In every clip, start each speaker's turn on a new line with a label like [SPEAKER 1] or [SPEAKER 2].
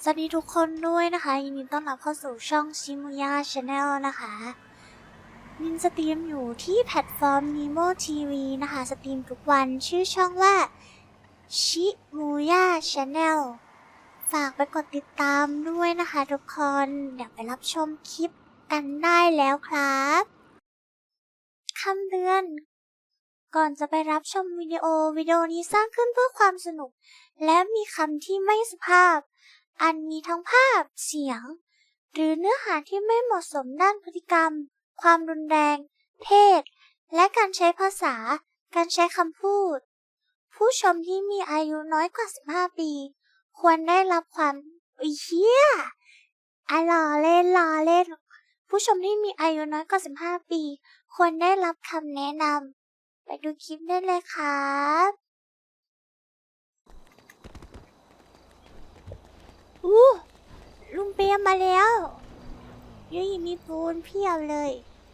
[SPEAKER 1] สวัสดีทุกคนด้วยนะคะยินดีต้อนรับเข้าสู่ช่องชิมุย่าชาแนลนะคะมินสตรีมอยู่ที่แพลตฟอร์ม Nemo TV นะคะสตรีมทุกวันชื่อช่องว่าชิมุย่าชาแนลฝากไปกดติดตามด้วยนะคะทุกคนเดี๋ยวไปรับชมคลิปกันได้แล้วครับคำเตือนก่อนจะไปรับชมวิดีโอนี้สร้างขึ้นเพื่อความสนุกและมีคำที่ไม่สุภาพอันมีทั้งภาพเสียงหรือเนื้อหาที่ไม่เหมาะสมด้านพฤติกรรมความรุนแรงเพศและการใช้ภาษาการใช้คำพูดผู้ชมที่มีอายุน้อยกว่า15ปีควรได้รับความเหี้ยล้อเล่นผู้ชมที่มีอายุน้อยกว่า15ปีควรได้รับคำแนะนำไปดูคลิปได้เลยครับลุงเปียมมาแล้วยุยมีปูนเพียบเลย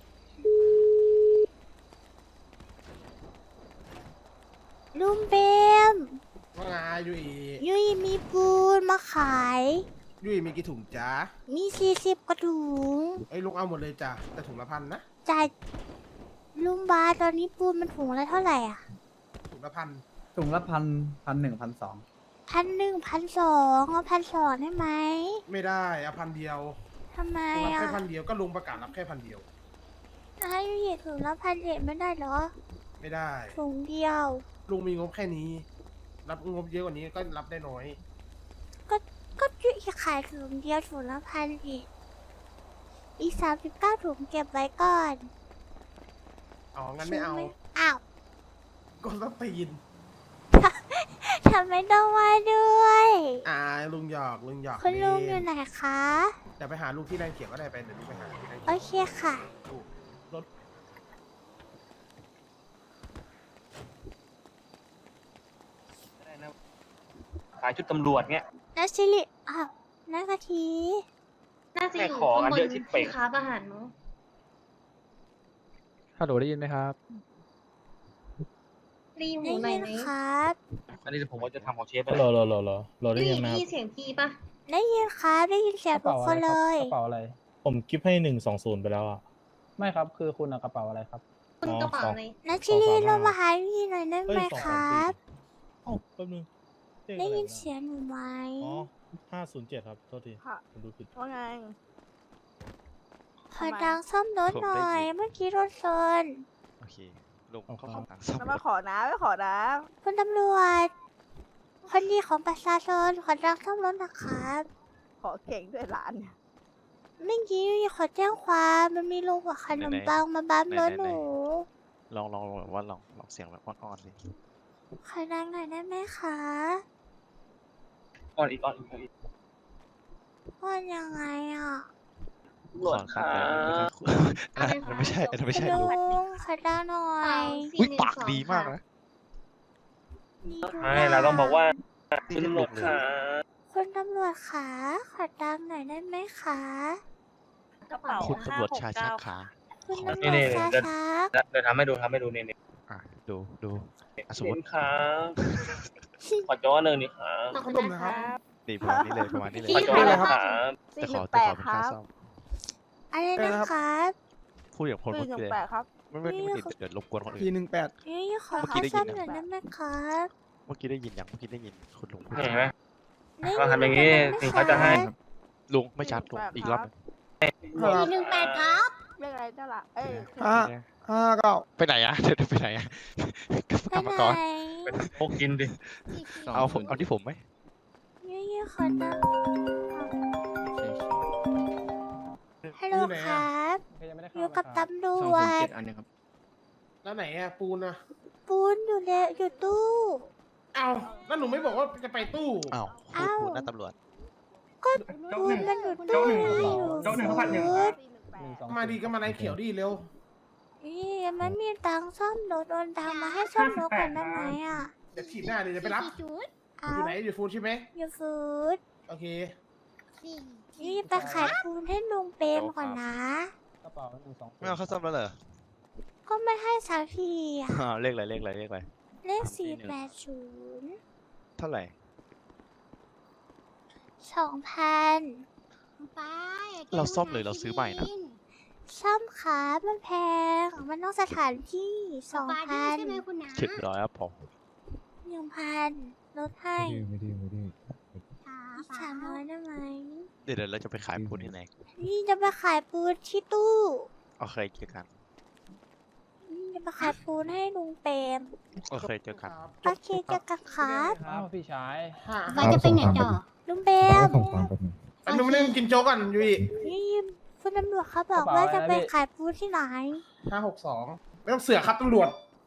[SPEAKER 1] ลุงเปียม
[SPEAKER 2] ว่าไง
[SPEAKER 1] ยุยมีปูนมาขาย
[SPEAKER 2] ยุยมีกี่ถุงจ้า
[SPEAKER 1] มี40กระถุง
[SPEAKER 2] ไอ้ลุงเอาหมดเลยจ้ะแต่ถุงละ1,000นะ
[SPEAKER 1] จ่ายลุงบาตอนนี้ปูนมันถุงละเท่าไหร่อ่ะ
[SPEAKER 2] ถุงละ1,000
[SPEAKER 3] ถุงละ1,000 1,000 1,200
[SPEAKER 1] 1,000 1,200เอา1,200ได้ไหม
[SPEAKER 2] ไม่ได้เอา1,000เดียว
[SPEAKER 1] ทำไม
[SPEAKER 2] รับ
[SPEAKER 1] อ่ะ
[SPEAKER 2] แค่1,000เดียวก็ลุงประกาศรับแค่1,000เดียว
[SPEAKER 1] ให้ยุยถุงละ1,100ไม่ได้เหรอ
[SPEAKER 2] ไม่ได้
[SPEAKER 1] ถุงเดียว
[SPEAKER 2] ลุงมีงบแค่นี้รับงบเยอะกว่านี้ก็รับได้น้อย
[SPEAKER 1] ก็ยุยขายถุงเดียวถุงละ1,000อีก39ถุงเก็บไว้ก่อน
[SPEAKER 2] อ๋องั้นไม่เอา
[SPEAKER 1] อ้าว
[SPEAKER 2] ก็ต้องตีน
[SPEAKER 1] ทำไมต้องมาด้วย
[SPEAKER 2] ลุงหยอก
[SPEAKER 1] คุณลุงอยู่ไหนคะ
[SPEAKER 2] เดี๋ยวไปหาลุงที่แรงเขียวก็ได้ไปเดี๋ยวลุงไปหาที่แรงเขียว
[SPEAKER 1] โอเคค่ะ
[SPEAKER 2] รถ
[SPEAKER 4] ขายชุดตำรวจเงี้ย
[SPEAKER 1] นัชิลินักกะที
[SPEAKER 5] น่าจะอยู่ข้างบนที่ค้าอาหารเนาะ
[SPEAKER 3] ฮัลโหลได้ยินไหมครับ
[SPEAKER 5] รีบหูหน่อยไหม
[SPEAKER 1] ครับ
[SPEAKER 4] อันนี้ผมว่าจะทำของเชฟไป
[SPEAKER 3] รอได้ยินไหมครับ
[SPEAKER 5] ได้ยินเสียงพี่ปะ
[SPEAKER 1] ได้ยินครับได้ยินเสียงทุกคนเลย
[SPEAKER 3] กระเป๋าอะไร
[SPEAKER 6] ผมกิฟให้120ไปแล้วอ่ะ
[SPEAKER 3] ไม่ครับคือคุณเอากระเป๋าอะไรครับ
[SPEAKER 5] คุณกระเป๋าอะไร
[SPEAKER 1] นัชิลิลงมาหาพี่หน่อยได้ไหมครับ
[SPEAKER 6] เอ้าแป๊บนึง
[SPEAKER 1] ได้ยินเสียงหนูไหม
[SPEAKER 6] อ๋อ507ครับโทษทีผมดูผิด
[SPEAKER 7] ว่าไง
[SPEAKER 1] ขอดังซ่อมรถหน่อยเมื่อกี้รถชน
[SPEAKER 4] โอเคลุงเขาขอตังค์ซ่อม
[SPEAKER 7] จะมาขอนะไม่ขอนะ
[SPEAKER 1] คุณตำรวจคนดีของประชาชนขอดังซ่อมรถนะครับ
[SPEAKER 7] ขอเก่งด้วยหลาน
[SPEAKER 1] เมื่อกี้ขอแจ้งความมันมีลุงกับขนมปังมาบั๊มรถหนู
[SPEAKER 4] ลองเสียงแบบอ่อนๆเลย
[SPEAKER 1] ขอดังหน่อยได้ไหมคะ
[SPEAKER 4] อ่อนอีก
[SPEAKER 1] ว่ายังไงอ่ะ
[SPEAKER 4] ขอค่ะไม่ใช่
[SPEAKER 1] ลุงขอดังหน่อย
[SPEAKER 4] ปากดีมากนะ
[SPEAKER 1] ใช่
[SPEAKER 4] เราต้องบอกว่าคุณตำรวจค่ะ
[SPEAKER 1] คุณตำรวจขาขอดังหน่อยได้ไหมคะ
[SPEAKER 4] คุณตำรวจชาชักขา
[SPEAKER 1] คุณตำรวจชาชัก
[SPEAKER 4] เดี๋ยวทำให้ดูนี่ดูสมมติครับขอจ้อหนึ่งนี่ครับ
[SPEAKER 5] ขอบคุณนะครับ
[SPEAKER 4] ดีประมาณนี้เลยขอจ้อเลยครับแต่ขอเป็นค่าซ่อม
[SPEAKER 1] อะไรนะครับ
[SPEAKER 4] พูดอย่างพลพูดเลยไม่เดี๋ยวรบกวนคนอื่น
[SPEAKER 2] 418
[SPEAKER 1] นี่ขอค่าซ่อมหน่อยได้ไหมครับ
[SPEAKER 4] เมื่อกี้ได้ยินคุณลุงพูด
[SPEAKER 8] เห็นไหมเขาทำอย่างนี้ถึงเขาจะให้
[SPEAKER 4] ลุงไม่ชัดลุงอีกรอบ
[SPEAKER 1] 418ครับ
[SPEAKER 7] เรื่องอะไรเจ้าล่ะ
[SPEAKER 2] 59
[SPEAKER 4] ไปไหนอะเดี๋ยวไปไหนอะกรรมกร
[SPEAKER 8] พกกินดิ
[SPEAKER 4] เอาที่ผมไหม
[SPEAKER 1] นี่ขอดังฮัลโหลครับอยู่กับตำรวจ
[SPEAKER 2] แล้วไหนอะปูนอะ
[SPEAKER 1] ปูนอยู่ตู้
[SPEAKER 2] เอาแล้วหนูไม่บอกว่าจะไปตู้
[SPEAKER 4] ปูนหน้าตำรวจ
[SPEAKER 1] ก็ปูนมันอยู่ตู้
[SPEAKER 2] มาดีก็มาในเขียวดีเร็ว
[SPEAKER 1] มันมีตังซ่อมรถโอนตังมาให้ซ่อมรถกันได้ไหมอ่ะ
[SPEAKER 2] เดี๋ยวถีบหน้าเดี๋ยวจะไปรับอยู่ไหนอยู่ฟูดใช่ไหม
[SPEAKER 1] อยู่ฟูด
[SPEAKER 2] โอเค
[SPEAKER 1] นี่ไปขายปูนให้ลุงเปรมก่อนนะ
[SPEAKER 3] กระเป๋า120
[SPEAKER 4] ไม่เอาเข้าซ่อมแล้วเหรอ
[SPEAKER 1] ก็ไม่ให้สักทีอ่ะ
[SPEAKER 4] เลขอะไร
[SPEAKER 1] เลข480
[SPEAKER 4] เท่าไหร่
[SPEAKER 1] 2,000
[SPEAKER 9] ป้าอย่
[SPEAKER 10] เราซ่อมหรือเราซื้อใหม่นะ
[SPEAKER 1] ซ่อมครับมันแพง มันต้องสถานที่
[SPEAKER 9] ป้าดื้อใช่ไหม
[SPEAKER 1] 2,000
[SPEAKER 9] คุณน้า
[SPEAKER 10] 700ครับผม
[SPEAKER 1] 1,000 ลดให้
[SPEAKER 3] ไม่ดื้อ
[SPEAKER 1] อีก300ได้ไหม
[SPEAKER 10] เดี๋ยวเราจะไปขายปูนที่ไหน
[SPEAKER 1] นี่จะไปขายปูนที่ตู้
[SPEAKER 10] โอเคเจอกัน
[SPEAKER 1] นี่จะไปขายปูนให้ลุงเปรม
[SPEAKER 10] โอเคเจอกัน
[SPEAKER 1] โอเคเจอกันครับ
[SPEAKER 3] ครับพี่ชาย
[SPEAKER 9] ป้าจะไปไหนต่อ
[SPEAKER 1] ลุงเปรม
[SPEAKER 2] อันนู้นไม่ได้กินโจ๊กก่อนยูอี
[SPEAKER 1] นี่คุณตำรวจเขาบอกว่าจะไปขายปูนที่ไหน
[SPEAKER 2] 562ไม่ต้องเสือกครับตำรวจ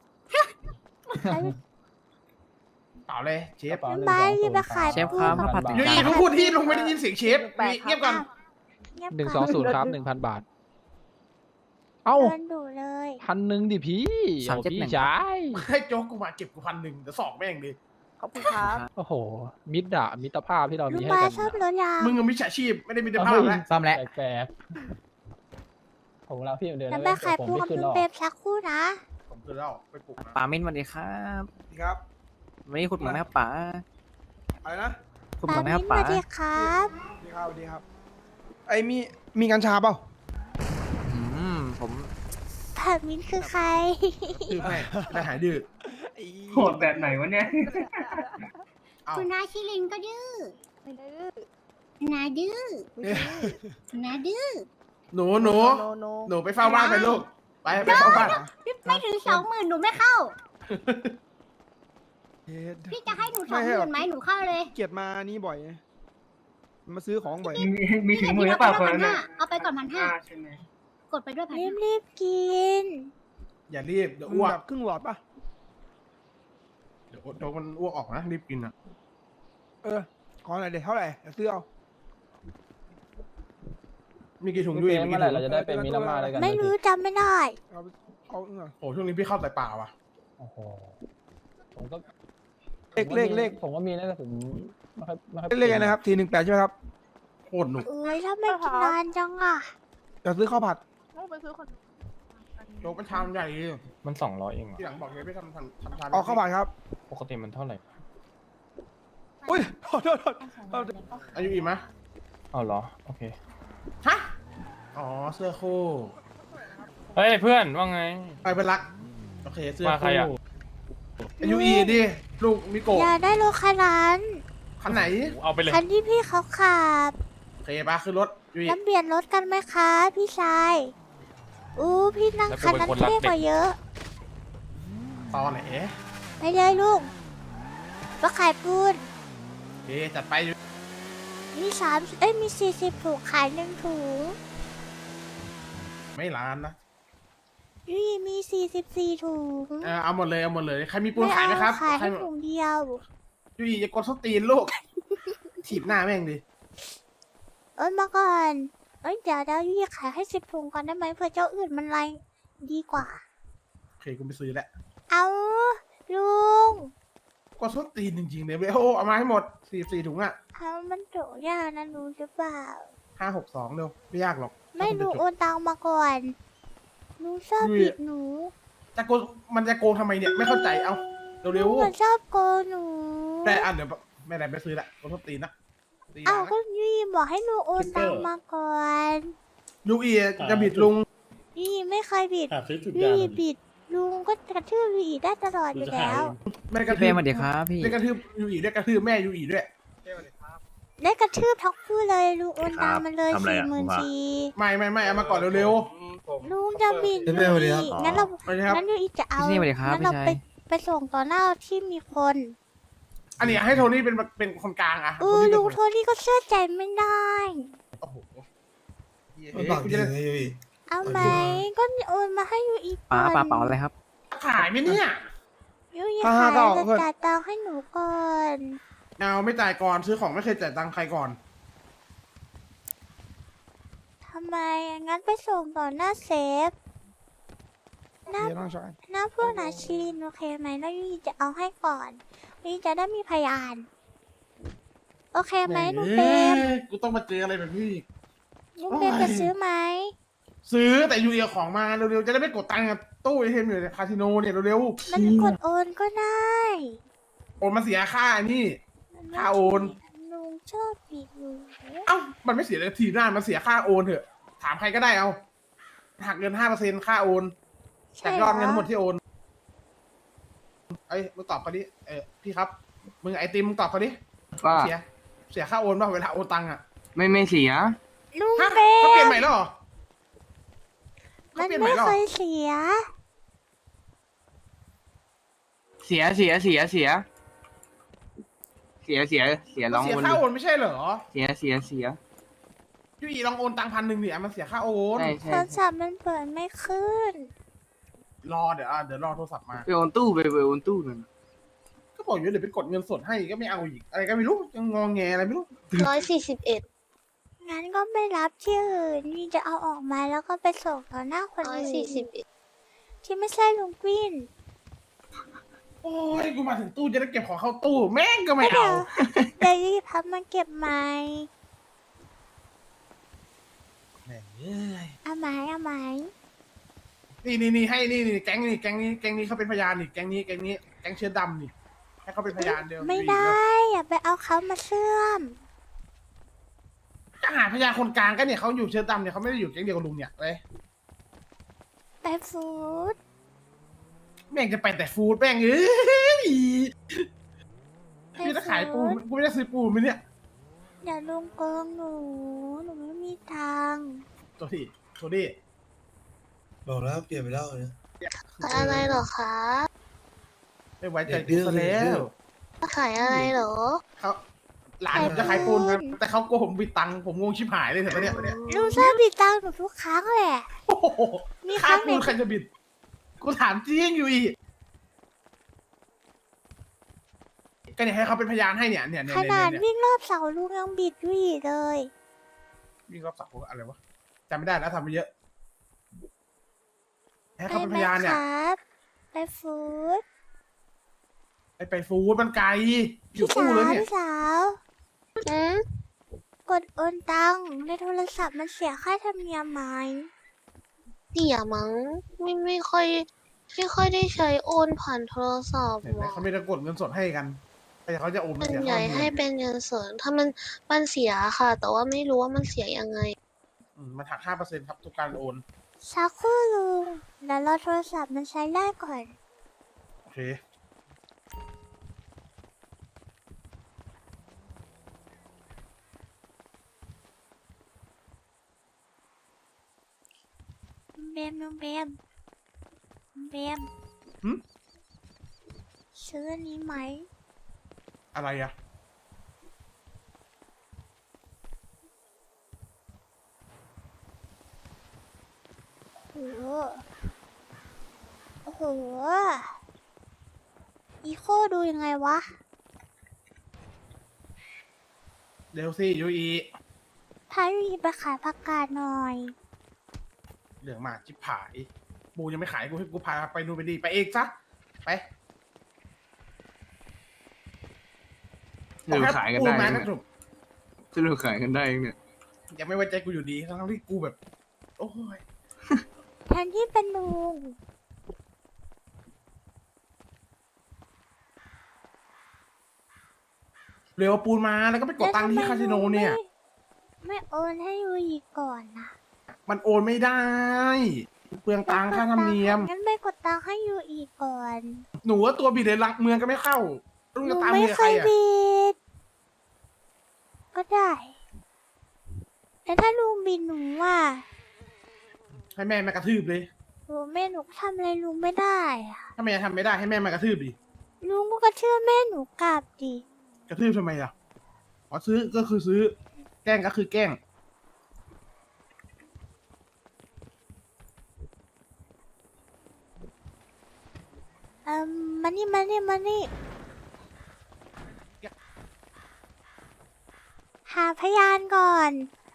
[SPEAKER 2] เปล่าเลยเชฟ
[SPEAKER 3] กระเป๋า
[SPEAKER 1] น้ำใบจะไปขาย
[SPEAKER 3] เชฟ
[SPEAKER 1] ปู
[SPEAKER 3] ครับ
[SPEAKER 1] น
[SPEAKER 3] ข้าวผัด
[SPEAKER 2] ยูอีเพิ่งพูดที่ลุงไม่ได้ยินเสียงเชฟยูอีเงียบก่อน
[SPEAKER 1] เงียบ
[SPEAKER 3] 120 ครับ 1,000 บาท เอ้า
[SPEAKER 1] เดินดูเลย
[SPEAKER 3] 1,000ดิพี่โอ้พี่ชาย
[SPEAKER 2] ให้โจ๊กกูมาเก็บกู1,100เดี๋ยวสอกแม่งดิ
[SPEAKER 7] ขอบคุณครับ
[SPEAKER 3] โอ้โห มิตรภาพที่เรา
[SPEAKER 1] ลุ
[SPEAKER 3] มี
[SPEAKER 1] ง
[SPEAKER 3] ให้
[SPEAKER 1] บา
[SPEAKER 3] กัน
[SPEAKER 1] ชอบรถยาง
[SPEAKER 2] มึงกับมิจฉาชีพไม่ได้มีแต่ภาพแล้ว
[SPEAKER 3] ซ่อมแล้วแปลกๆผมแล้วพี่เดี๋ยว
[SPEAKER 1] จะ
[SPEAKER 3] นะ
[SPEAKER 1] ไปขาย
[SPEAKER 3] ผม
[SPEAKER 1] ปูน
[SPEAKER 3] ไม่
[SPEAKER 1] กับ
[SPEAKER 3] ขึ้น
[SPEAKER 1] ลุ
[SPEAKER 3] หรง อก
[SPEAKER 1] เปรมสักครู่นะ
[SPEAKER 2] ผมคือเล่าไปปลุกนะ
[SPEAKER 11] ป๋ามิ้นสวัสดีครับ
[SPEAKER 6] ครับ
[SPEAKER 11] วันนี้ขุดเหมืองไหมครับป๋า
[SPEAKER 6] อะไรนะ
[SPEAKER 11] ขุดเหมื
[SPEAKER 1] ปา
[SPEAKER 11] องไหมค
[SPEAKER 1] มิ้
[SPEAKER 11] รับ
[SPEAKER 1] น
[SPEAKER 11] ป๋า
[SPEAKER 1] มาดีครับ
[SPEAKER 6] ดีครับดีครับ ไอ้มีกัญชาเปล่า
[SPEAKER 11] ผม
[SPEAKER 1] ปามิ้นคือใคร
[SPEAKER 2] คือไม่ได้หายดื้อ
[SPEAKER 4] โหดแบบไหนวะเนี่ย
[SPEAKER 2] เอา
[SPEAKER 9] คุณน้าชิลินก็ดื้อ
[SPEAKER 7] ไม่ดื้อ
[SPEAKER 9] คุณน้าดื้อ
[SPEAKER 7] ไม่ดื้อ
[SPEAKER 9] คุณน้าดื้อ
[SPEAKER 2] หนู
[SPEAKER 7] โน
[SPEAKER 2] หนูไปเฝ้าบ้านไปลูกไปเฝ้าบ้าน
[SPEAKER 9] ไม่ถึง20,000หนูไม่เข้า พี่จะให้หนู20,000ไหมหนูเข้าเลย
[SPEAKER 6] เกียดมานี่บ่อย มาซื้อของบ่อย
[SPEAKER 4] มีถึงมือหรือเปล่าคนนั้น
[SPEAKER 9] 1,500
[SPEAKER 4] น่ะ
[SPEAKER 9] เอาไปก่อน1,500
[SPEAKER 4] ใช่ไหม
[SPEAKER 9] กดไปด้วย
[SPEAKER 1] รีบ
[SPEAKER 9] 1,500
[SPEAKER 1] รีบกิน
[SPEAKER 2] อย่ารีบเดี๋ยวอ้วก
[SPEAKER 6] แบบครึ่งหลอดป่ะ
[SPEAKER 2] เดี๋ยวโจ๊กมันอ้วกออกนะรีบกินอ่ะ
[SPEAKER 6] ขอหน่อยเดี๋ยวเท่าไหร่เดี๋ยวซื้อเอา
[SPEAKER 2] มีกี่ถุง
[SPEAKER 3] พี่
[SPEAKER 2] ยู
[SPEAKER 3] เป
[SPEAKER 2] อี
[SPEAKER 3] รม
[SPEAKER 2] มี
[SPEAKER 3] เมื่
[SPEAKER 2] กี่
[SPEAKER 3] อไหร่
[SPEAKER 2] ถุง
[SPEAKER 3] เราจะได้เป็นมิตรภาพด้วยกัน
[SPEAKER 1] ไม่รู้จำไม่ได้
[SPEAKER 6] เอาเงิน
[SPEAKER 2] โอ้ช่วงนี้พี่เข้าแต่ป่าว่ะ
[SPEAKER 3] โอ้โหผมก็
[SPEAKER 6] เลข
[SPEAKER 3] ผมก็มีนะแต่ผมไม่ค่อย
[SPEAKER 6] เลขอะไรนะครับ418ใช่ไหมครับ
[SPEAKER 2] โคตรหนุก
[SPEAKER 1] เอ้ยถ้าไม่กินนานจังอ่ะ
[SPEAKER 6] จะซื้อข้าวผัด
[SPEAKER 7] ต้องไปซื้อคน
[SPEAKER 2] โจ๊กมันชามใหญ่
[SPEAKER 3] มัน200เอง
[SPEAKER 2] ที่หลังบอกเลยไม่ทำชาม
[SPEAKER 6] เอาข้าวผัดครับ
[SPEAKER 3] ปกติมันเท่าไหร่
[SPEAKER 6] อุ้ยโทษ
[SPEAKER 2] อายุอีกไหม
[SPEAKER 3] อ๋อเหรอโอเค
[SPEAKER 2] ฮะอ๋อเสื้อคู่
[SPEAKER 3] เฮ้ยเพื่อนว่าไง
[SPEAKER 2] ไปเป็นรักโอเคเสื้อ
[SPEAKER 3] มาใคร
[SPEAKER 2] คู่
[SPEAKER 3] อะ
[SPEAKER 2] อายุอีดิลูกมิโกะ
[SPEAKER 1] อย่าได้รถคันนั้น
[SPEAKER 2] คันไหน
[SPEAKER 3] เอาไปเลย
[SPEAKER 1] คันที่พี่เขาขับ
[SPEAKER 2] โอเคปะขึ้นรถยูอี
[SPEAKER 1] แล้วเปลี่ยนรถกันไหมคะพี่ชาย อู้พี่นั่งคันนั้นเท่กว่าเยอะ
[SPEAKER 2] ตอนไหน
[SPEAKER 1] ไปเลยลุงก็ขายปูน
[SPEAKER 2] โอเคจัดไปยู
[SPEAKER 1] มี40ถุงขาย1ถุง
[SPEAKER 2] ไม่ร้านนะ
[SPEAKER 1] นี่มี44ถุง
[SPEAKER 2] เอาหมดเลยเอาหมดเลยใครมีปูนขายไหมครับ
[SPEAKER 1] ขาย
[SPEAKER 2] ใคร
[SPEAKER 1] ให้ถุงเดียว
[SPEAKER 2] ยูอีอย่ากดส้นตีนลูก ถีบหน้าแม่งดิ
[SPEAKER 1] มาก่อนเดี๋ยวยี่ขายให้10ถุงก่อนได้ไหมเผื่อเจ้าอื่นมันไรดีกว่า
[SPEAKER 2] โอเคกูไปซื้อแหละ
[SPEAKER 1] เอาลุง
[SPEAKER 2] กดส้นตีนจริงๆเลยเว้ยโอ้เอามาให้หมด44ถุงอ่ะ
[SPEAKER 1] เอามันโถยากนะรู้หรือเปล่า
[SPEAKER 2] 562เร็วไม่ยากหรอก
[SPEAKER 1] ไม่รู้โอนตังมาก่อนหนูชอบ
[SPEAKER 2] อุ้ย
[SPEAKER 1] ผิดหนู
[SPEAKER 2] จะโกงมันจะโกงทำไมเนี่ยไม่เข้าใจเอา
[SPEAKER 1] หนู
[SPEAKER 2] เร็ว
[SPEAKER 1] ชอบโกงหนู
[SPEAKER 2] ๆแต่เดี๋ยวไม่ได้ไปซื้อละกดส้นตีนนะตี
[SPEAKER 1] เอา
[SPEAKER 2] นะ
[SPEAKER 1] ก็ยี่บอกให้หนูโอนตังมาก่อน
[SPEAKER 2] ยูอีจะบิดลุง
[SPEAKER 1] ยี่ไม่เคยบิดยี่บิดลุงก็กระทืบยี่ได้ตลอดอยู่แล้ว
[SPEAKER 2] ไม่ได้กระ
[SPEAKER 11] พี่เป
[SPEAKER 2] ทื
[SPEAKER 11] ร
[SPEAKER 2] บ
[SPEAKER 11] มสวัสดีครับพี่
[SPEAKER 2] ได้กระทืบยูอีได้กระทืบแม่ยูอีด้วย
[SPEAKER 1] ได้กระทืบทั้งคู่เลยลุงโอนตังมาเลย44,000
[SPEAKER 2] ไม่เอามาก่อนเร็ว
[SPEAKER 1] ลุงจะบิด
[SPEAKER 6] เร็วๆดีครับ
[SPEAKER 1] งั้นเรา
[SPEAKER 2] ๆไปเลยครับ
[SPEAKER 1] งั้นยูอีจะเอา
[SPEAKER 11] พี่นี่สวัสดีครับ
[SPEAKER 1] งั้นเรา
[SPEAKER 11] พี่ชาย
[SPEAKER 1] ไปส่งต่อหน้าที่มีคน
[SPEAKER 2] อันนี้ให้โทนี่เป็นคนกลางอะ
[SPEAKER 1] ลุง
[SPEAKER 2] เป็น
[SPEAKER 1] โทนี่ก็เชื่อใจไม่ได้
[SPEAKER 2] โอ้โห
[SPEAKER 6] กูจะได้
[SPEAKER 1] เอาไหมก็โอนมาให้ยูอีก
[SPEAKER 11] ป๋า
[SPEAKER 1] ก่อน
[SPEAKER 11] ป๋าเป๋าอะไรครับ
[SPEAKER 2] ขายไหมเนี่ย
[SPEAKER 1] ยูอี
[SPEAKER 6] ห้า
[SPEAKER 1] ขาย
[SPEAKER 6] เก้า
[SPEAKER 1] จะ
[SPEAKER 6] เพื่อน
[SPEAKER 1] จ่ายตังค์ให้หนูก่อน
[SPEAKER 2] เอาไม่จ่ายก่อนซื้อของไม่เคยจ่ายตังค์ใครก่อน
[SPEAKER 1] ทำไมงั้นไปส่งต่อหน้าเซฟหน้า
[SPEAKER 6] เดี๋ยวน้องชาย
[SPEAKER 1] หน้าพวกนาชีนโอเคไหมแล้วยูอีจะเอาให้ก่อนยูอีจะได้มีพยาน โอเคไหมลุงเปรม
[SPEAKER 2] กูต้องมาเจออะไรแบบนี้อีก
[SPEAKER 1] ลุงเปรมจะซื้อไหม
[SPEAKER 2] ซื้อแต่ยูเอาของมาเร็วๆจะได้ไม่กดตังค์กับตู้ไอเทมอยู่ในคาสิโนเนี่ยเร็ว
[SPEAKER 1] มันกดโอนก็ได้
[SPEAKER 2] ๆโอนมาเสียค่านี่ ค่าโอน
[SPEAKER 1] ลุงชอบบิดอยู่
[SPEAKER 2] เอ้ามันไม่เสียเลยทีหน้ามันเสียค่าโอนเถอะถามใครก็ได้เอาหักเงิน5%ค่าโอนจากยอดเงินทั้งหมดที่โอนเอ้ยมึงตอบเขาดิพี่ครับมึงไอติมมึงตอบเขาดิ
[SPEAKER 11] ว่า
[SPEAKER 2] เสียค่าโอนป่ะเวลาโอนตังค์อ่ะ
[SPEAKER 11] ไม่เสีย
[SPEAKER 1] ลุง
[SPEAKER 2] ฮะ
[SPEAKER 1] เบ
[SPEAKER 2] เขาเปลี่ยน
[SPEAKER 1] ม
[SPEAKER 2] ใหม่แล้วเหรอ
[SPEAKER 1] มัน
[SPEAKER 2] เขาเปลี่ยนใหม่
[SPEAKER 1] ไม่
[SPEAKER 2] แล้วเห
[SPEAKER 1] เค
[SPEAKER 2] รอย
[SPEAKER 1] เสีย
[SPEAKER 11] เสียลอง
[SPEAKER 2] เสีย
[SPEAKER 11] โอน
[SPEAKER 2] ค่า
[SPEAKER 11] ดู
[SPEAKER 2] โอนไม่ใช่เหรอ
[SPEAKER 11] เสีย
[SPEAKER 2] ยูอีลองโอนตังค์1,000เนี่ยมันเสียค่าโอน
[SPEAKER 11] ใช่
[SPEAKER 1] โทรศัพท์มันเปิดไม่ขึ้น
[SPEAKER 2] รอเดี๋ยวรอโทรศัพท์มา
[SPEAKER 11] ไปโอนตู้ไปโอนตู้นั่น
[SPEAKER 2] ก็บอกอยู่เดี๋ยวไปกดเงินสดให้ก็ไม่เอาอีกอะไรก็ไม่รู้ยังงอแงอะไรไม่รู้
[SPEAKER 5] 141
[SPEAKER 1] งั้นก็ไม่รับที่อื่นนี่จะเอาออกมาแล้วก็ไปส่งต่อหน้าคนอื่น
[SPEAKER 5] 141
[SPEAKER 1] ที่ไม่ใช่ลุงกวิน
[SPEAKER 2] โอ้ยกูมาถึงตู้จะได้เก็บของเข้าตู้แม่งก็ไม่
[SPEAKER 1] เดี๋
[SPEAKER 2] เอา
[SPEAKER 1] ยวเดี๋ยวรีบพับมาเก็บไหม
[SPEAKER 2] แม่งเอ้ย
[SPEAKER 1] เอาไหม
[SPEAKER 2] นี่ให้นี่แก๊งนี้เขาเป็นพยานนี่แก๊งเชื้อดำนี่ให้เขาเป็นพยานเดียว
[SPEAKER 1] ไม่ได้ อย่าไปเอาเขามาเชื่อม
[SPEAKER 2] จะหาพยานคนกลางก็เนี่ยเขาอยู่เชื้อดำเนี่ยเขาไม่ได้อยู่แก๊งเดียวกับลุงเนี่ยเลย
[SPEAKER 1] ไปฟูด
[SPEAKER 2] แม่งจะไปแต่ฟู้ดแม่งเอ้ย
[SPEAKER 1] ไป
[SPEAKER 2] พี่จะขายปู
[SPEAKER 1] ฟู้ด
[SPEAKER 2] กูไม่ได้ซื้อปูไหมเนี่ย
[SPEAKER 1] อย่าลุงโกงหนูไม่มีตังค์
[SPEAKER 2] ตัวดิ
[SPEAKER 12] บอกแล้วเปลี่ยนไปแล้วเนี่ย
[SPEAKER 5] อะไรเหรอคะ
[SPEAKER 2] ไม่ไว้ใจกูซะแล้ว
[SPEAKER 5] ขายอะไรเหรอ
[SPEAKER 2] เขาหลานผมจะขายปูนครับแต่เขาโกงผมบิดตังค์ผมงงชิบหายเลยเถอะเนี่ย
[SPEAKER 1] ลุงชอบบิดตังค์หนูทุกครั้งแหละ
[SPEAKER 2] โอ้โห
[SPEAKER 1] มีค
[SPEAKER 2] ค่า
[SPEAKER 1] รั้งไหน
[SPEAKER 2] ปูนใครจะบิดกูถามจริงอยู่อีกก็เนี่ยให้เขาเป็นพยานให้เนี่ย
[SPEAKER 1] ขนาดวิ่งรอบเสาลุงยังบิดอยู่อีกเลย
[SPEAKER 2] วิ่งรอบเสาอะไรวะจำไม่ได้แล้วทำไปเยอะให้
[SPEAKER 1] ไป
[SPEAKER 2] เขาเป็น
[SPEAKER 1] ไหม
[SPEAKER 2] พยาน
[SPEAKER 1] ค
[SPEAKER 2] เนี่ย
[SPEAKER 1] รับไปฟูด
[SPEAKER 2] ไปฟู้ดมันไกลอยู่ตู้เลยเนี่ย
[SPEAKER 1] พี่สาวกดโอนตังค์ในโทรศัพท์มันเสียค่าธรรมเนียมไหม
[SPEAKER 5] เสียมั้งไม่ค่อยได้ใช้โอนผ่านโทรศัพท์
[SPEAKER 2] เห็นไหมเขาไม่ได้กดเงินสดให้กันแต่เขาจะโอน
[SPEAKER 5] มัน
[SPEAKER 2] เสีย
[SPEAKER 5] ใหญ่
[SPEAKER 2] ค่าธรรม
[SPEAKER 5] ให้
[SPEAKER 2] เนียม
[SPEAKER 5] เป็นเงินสดถ้ามันเสียค่ะ แต่ว่าไม่รู้ว่ามันเสียยังไง
[SPEAKER 2] มันหัก5%ครับทุกการโอน
[SPEAKER 1] สักครู่ลุงเดี๋ยวรอโทรศัพท์มันใช้ได้ก่อน
[SPEAKER 2] โอเค
[SPEAKER 1] ลุงเบม
[SPEAKER 2] หึ
[SPEAKER 1] ซื้ออันนี้ไหม
[SPEAKER 2] อะไรอะ
[SPEAKER 1] โอ้โหอีโคดูยังไงวะ
[SPEAKER 2] เร็วสิยูอี
[SPEAKER 1] พายูอีไปขายผักกาดหน่อย
[SPEAKER 2] เหลืองหมากชิบหายปูยังไม่ขายกูให้กูพาไปดูนไปดีไปเองซะไป
[SPEAKER 11] สรุปขายกันได้
[SPEAKER 2] ปูมา
[SPEAKER 11] เนี่ย
[SPEAKER 2] สรุป
[SPEAKER 11] สรุปขายกันได้เนี่ย
[SPEAKER 2] ยังไม่ไว้ใจกูอยู่ดีทั้งที่กูแบบ โอ้ย
[SPEAKER 1] แทนที่เป็นลุง
[SPEAKER 2] เร็วเอาปูนมาแล้วก็ไปกดตังค์ที่คาสิโนเนี่ย
[SPEAKER 1] ไม่โอนให้ยูอีก่อนนะ
[SPEAKER 2] มันโอนไม่ได้ เปลืองตังค่าธรรมเนียม
[SPEAKER 1] งั้นไปกดตังค์ให้ยูอีก่อน
[SPEAKER 2] หนูว่าตัวบิดเลยลักเมืองก็ไม่เข้าลุง
[SPEAKER 1] หนู
[SPEAKER 2] จะตาม
[SPEAKER 1] ไม่
[SPEAKER 2] เมีย
[SPEAKER 1] เค
[SPEAKER 2] ใคร
[SPEAKER 1] ย
[SPEAKER 2] อ่ะ
[SPEAKER 1] บิด ก็ได้ แต่ถ้าลุงบิดหนูอ่ะ
[SPEAKER 2] ให้แม่มากระทืบเลย
[SPEAKER 1] หนูแม่หนูทำอะไรลุงไม่ได้อะ
[SPEAKER 2] ถ้าแม่ทำไม่ได้ให้แม่มากระทืบดิ
[SPEAKER 1] ลุงก็กระเชื่อแม่หนูกลับดิ
[SPEAKER 2] กระทืบทำไมล่ะอ๋อซื้อก็คือซื้อ แกล้งก็คือแกล้ง
[SPEAKER 1] มานี่หาพยานก่อน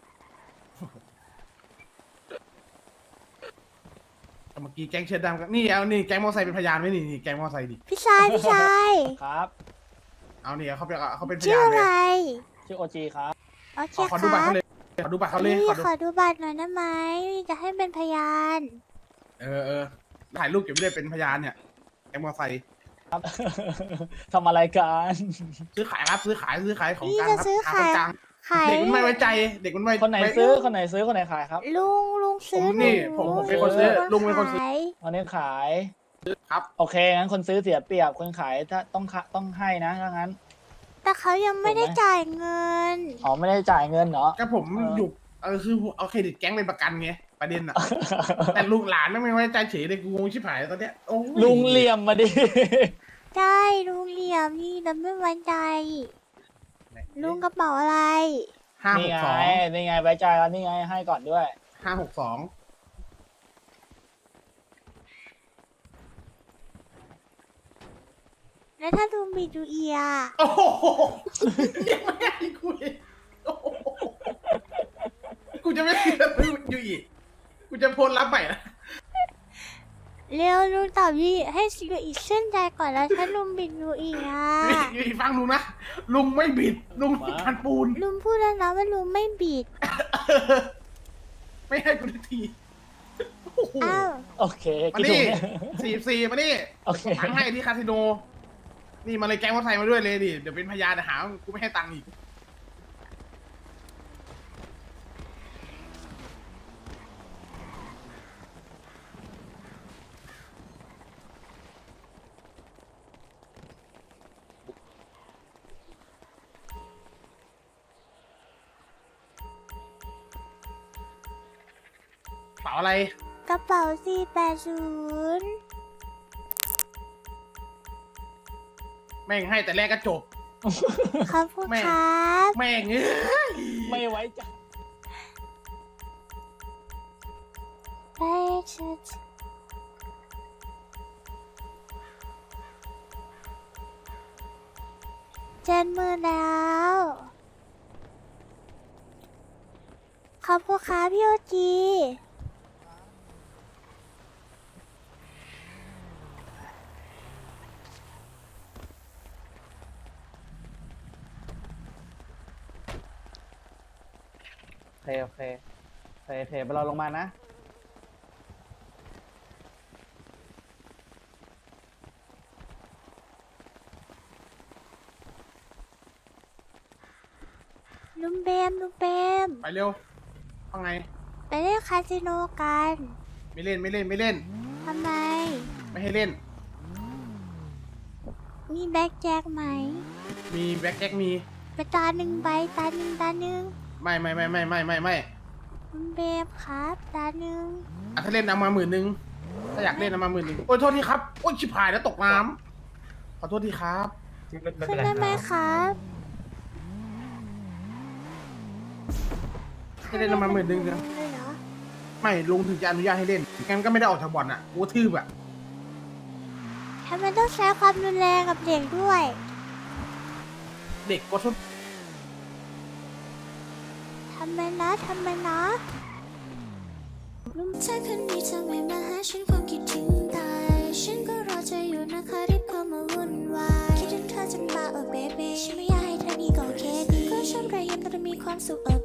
[SPEAKER 2] เมื่อกี้แก๊งเชิดดำก็นี่เอานี่แก๊งมอไซค์เป็นพยานไหมนี่แก๊งมอไซค์ดิ
[SPEAKER 1] พี่ชาย
[SPEAKER 3] ครับ
[SPEAKER 2] เอาเนี่ยเขาเป็นพ
[SPEAKER 1] ชื่อย
[SPEAKER 2] าน
[SPEAKER 1] อะ
[SPEAKER 2] เล
[SPEAKER 1] ไร
[SPEAKER 2] ย
[SPEAKER 3] ชื่อโอจีครับ
[SPEAKER 1] โอเค
[SPEAKER 2] ขอ
[SPEAKER 1] ค
[SPEAKER 2] ดูบัตร
[SPEAKER 1] รับ
[SPEAKER 2] เขาเลยขอดูบัตรเขาเลย
[SPEAKER 1] นี่
[SPEAKER 2] ขอดู
[SPEAKER 1] ขอดูบัตรหน่อยได้ไหมจะให้เป็นพยาน
[SPEAKER 2] ถ่ายรูปเก็บไว้เลยเป็นพยานเนี่ยแก๊งมอไซค์
[SPEAKER 3] ครับ ทำอะไรกัน
[SPEAKER 2] ซื้อขายครับซื้อขายของ
[SPEAKER 1] พี่
[SPEAKER 2] กลาง
[SPEAKER 1] จะ
[SPEAKER 2] ครับ
[SPEAKER 1] ซื้อ
[SPEAKER 2] หา
[SPEAKER 1] ขาย
[SPEAKER 2] คนกลาง
[SPEAKER 1] ขาย
[SPEAKER 2] เด็กมันไม่ไว้ใจเด็กมันไม่
[SPEAKER 3] คนไหนซื้อคนไหนซื้อคนไหนขายครับ
[SPEAKER 1] ลุงซื้อ
[SPEAKER 2] ผมนี่
[SPEAKER 1] ห
[SPEAKER 2] ผมเป็นคนซื้อลุงเป็นคนซื้อ
[SPEAKER 1] ขาย
[SPEAKER 3] คนนี้ขาย
[SPEAKER 2] ครับ
[SPEAKER 3] โอเคงั้นคนซื้อเสียเปรียบคนขายถ้าต้องให้นะถ้างั้น
[SPEAKER 1] แต่เขายังไม่ได้จ่ายเงิน
[SPEAKER 3] อ๋อไม่ได้จ่ายเงินเหรอ
[SPEAKER 2] ก็ผมอยู่คือเอาเครดิตแก๊งเป็นประกันไงประเด็นอ่ะ แต่ลูกหลานไม่ไว้ใจเฉยเลยกูงงชิบหายตอนเนี้ยโอ้ย
[SPEAKER 3] ลุงเหลี่ยมมาดิ
[SPEAKER 1] ได้ลุงเหลี่ยมนี่เราไม่ไว้ใจลุงกระเป๋าอะไร
[SPEAKER 3] นี่ไง
[SPEAKER 2] 562
[SPEAKER 3] นี่ไงไว้ใจแล้วนี่ไงให้ก่อนด้วย
[SPEAKER 2] 562
[SPEAKER 1] แล้วถ้าลุงบิดดูเอีย
[SPEAKER 2] โอ้โหยังไม่ให้กูอีกโอ้โหกูจะไม่ซื้ออยู่อีกกูจะโพสต์รับใหม่นะ
[SPEAKER 1] เร็วลุงตอบยี่ให้ดูอีกเส้นใจก่อนแล้วถ้าลุงบิดดูอีกอ่ะ
[SPEAKER 2] อยู่อีกฟังลุงนะลุงไม่บิดลุงมีการปูน
[SPEAKER 1] ลุงพูดแล้วนะว่าลุงไม่บิด
[SPEAKER 2] ไม่ให้กูทันทีโอ้โห
[SPEAKER 1] อ้าว
[SPEAKER 3] โอเค
[SPEAKER 2] มา
[SPEAKER 3] กี่ถุ
[SPEAKER 2] นี่
[SPEAKER 3] งเนี่ย
[SPEAKER 2] 44มานี่
[SPEAKER 3] โอเค
[SPEAKER 2] ตังค์ให้ที่คาสิโน นี่มาเลยแก๊งวัดไทยมาด้วยเลยดิ เดี๋ยวเป็นพยานหาว่ากูไม่ให้ตังค์อีก เป๋าอะไร
[SPEAKER 1] กระเป๋า480
[SPEAKER 2] แม่งให้แต่แรกก็จบ
[SPEAKER 1] ขอบคุณ
[SPEAKER 2] แม่
[SPEAKER 1] ครับ
[SPEAKER 2] แม่งเอ้ย
[SPEAKER 3] ไม่ไว้ใจ
[SPEAKER 1] ไปเชิด70,000แล้ว ขอบคุณครับพี่โอจี
[SPEAKER 3] โอเคโอเคเทไปเราลงมานะ
[SPEAKER 1] ลุงเบม
[SPEAKER 2] ไปเร็วว่าไง
[SPEAKER 1] ไปเล่นคาสิโนกัน
[SPEAKER 2] ไม่เล่น ไม่เล่น
[SPEAKER 1] ทำไม
[SPEAKER 2] ไม่ให้เล่น
[SPEAKER 1] มีแบ็กแจ็คไหม
[SPEAKER 2] มีแบ็คแจ็คมี
[SPEAKER 1] ไปตาหนึ่งใบตาหนึ่ง
[SPEAKER 2] ไม่
[SPEAKER 1] ลุงเบมครับตาหนึ่ง
[SPEAKER 2] ถ้าเล่นเอามา10,000ถ้าอยากเล่นเอามา10,000โอ้ยโทษทีครับ โอ้ยชิบหายแล้วตกน้ำขอโทษทีครับ
[SPEAKER 1] ขึ้นได้ไหมครับ
[SPEAKER 2] ให้เล่นเอามา10,000นึง
[SPEAKER 1] เลยเหรอ
[SPEAKER 2] ไม่ลุงถึงจะอนุญาตให้เล่นงั้นก็ไม่ได้ออกจากบ่อนอ่ะกูทืบอ่ะ
[SPEAKER 1] ทำไมต้องใช้ความรุนแรงกับเด็กด้วย
[SPEAKER 2] เด็กก็ชอบ
[SPEAKER 1] ทำไมนะลุงชายคนนี้ทำไมมาหาฉันคงคิดถึงตายฉันก็รอเธออยู่นะคะรีบเข้ามาวุ่นวายคิดถึงเธอจนบ้าเบบีฉันไม่อยากให้เธอนี่ก็แค่ดีก็ชอบรอยยิ้มแต่มีความสุข